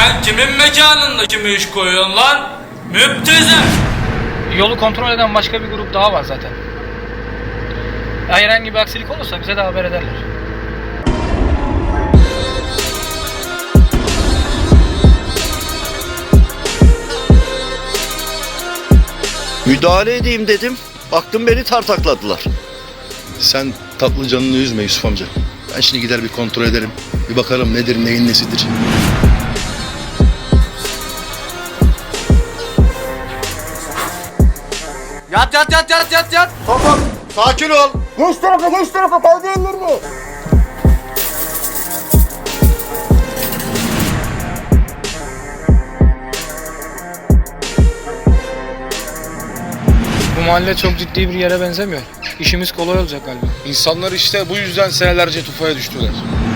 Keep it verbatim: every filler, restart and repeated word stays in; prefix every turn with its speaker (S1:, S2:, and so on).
S1: Sen kimin mekanında kimi iş koyuyorsun lan? Müptezel.
S2: Yolu kontrol eden başka bir grup daha var zaten. Ya herhangi bir aksilik olursa bize de haber ederler.
S3: Müdahale edeyim dedim. Baktım beni tartakladılar.
S4: Sen tatlı canını üzme Yusuf amca. Ben şimdi gider bir kontrol ederim. Bir bakarım nedir neyin nesidir.
S3: Yat yat yat yat yat yat.
S5: Tamam, sakin ol. Geç tarafa, geç tarafa, kaldı ellerini.
S2: Bu mahalle çok ciddi bir yere benzemiyor. İşimiz kolay olacak galiba.
S4: İnsanlar işte bu yüzden senelerce tufaya düştüler.